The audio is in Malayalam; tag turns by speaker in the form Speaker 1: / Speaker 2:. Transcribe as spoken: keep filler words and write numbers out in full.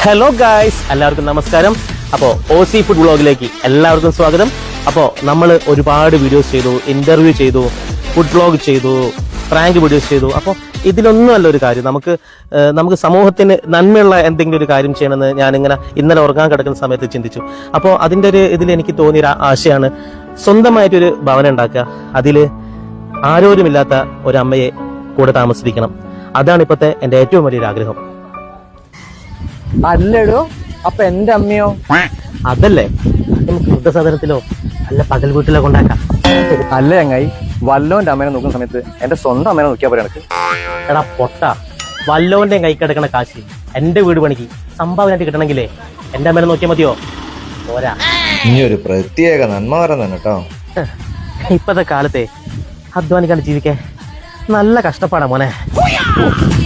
Speaker 1: ഹലോ ഗായ്സ്, എല്ലാവർക്കും നമസ്കാരം. അപ്പോൾ ഒ സി ഫുഡ് വ്ളോഗിലേക്ക് എല്ലാവർക്കും സ്വാഗതം. അപ്പോൾ നമ്മൾ ഒരുപാട് വീഡിയോസ് ചെയ്തു, ഇന്റർവ്യൂ ചെയ്തു, ഫുഡ് വ്ളോഗ് ചെയ്തു, പ്രാങ്ക് വീഡിയോസ് ചെയ്തു. അപ്പോൾ ഇതിലൊന്നും അല്ല ഒരു കാര്യം, നമുക്ക് നമുക്ക് സമൂഹത്തിന് നന്മയുള്ള എന്തെങ്കിലും ഒരു കാര്യം ചെയ്യണമെന്ന് ഞാനിങ്ങനെ ഇന്നലെ ഉറങ്ങാൻ കിടക്കുന്ന സമയത്ത് ചിന്തിച്ചു. അപ്പോൾ അതിൻ്റെ ഒരു ഇതിൽ എനിക്ക് തോന്നിയ ആശയമാണ് സ്വന്തമായിട്ടൊരു ഭവനം ഉണ്ടാക്കുക, അതിൽ ആരോരുമില്ലാത്ത ഒരമ്മയെ കൂടെ താമസിപ്പിക്കണം. അതാണ് ഇപ്പോഴത്തെ എൻ്റെ ഏറ്റവും വലിയൊരു ആഗ്രഹം.
Speaker 2: അല്ലടോ, അപ്പൊ എന്റെ അമ്മയോ?
Speaker 1: അതല്ലേ നമുക്ക് വൃദ്ധസദനത്തിലോ അല്ല പകൽ വീട്ടിലോ കൊണ്ടാക്കാം.
Speaker 2: അല്ല ചങ്ങായി, വല്ലോന്റെ അമ്മേനെ നോക്കുന്ന സമയത്ത് എന്റെ സ്വന്തം അമ്മേനെ നോക്കിയാ പറയാ എനിക്ക്.
Speaker 1: എടാ പൊട്ട, വല്ലോന്റെ കൈ കിടക്കണ കാശ് എന്റെ വീട് പണിക്ക് സംഭാവനയായിട്ട് കിട്ടണമെങ്കിലേ എന്റെ അമ്മേനെ നോക്കിയാൽ മതിയോ? പോരാ.
Speaker 3: ഇനി ഒരു പ്രത്യേക നന്മവരം തന്നെ കേട്ടോ.
Speaker 1: ഇപ്പത്തെ കാലത്തെ അധ്വാനിക്കാണ്ട് ജീവിക്കാൻ നല്ല കഷ്ടപ്പാടാ മോനെ.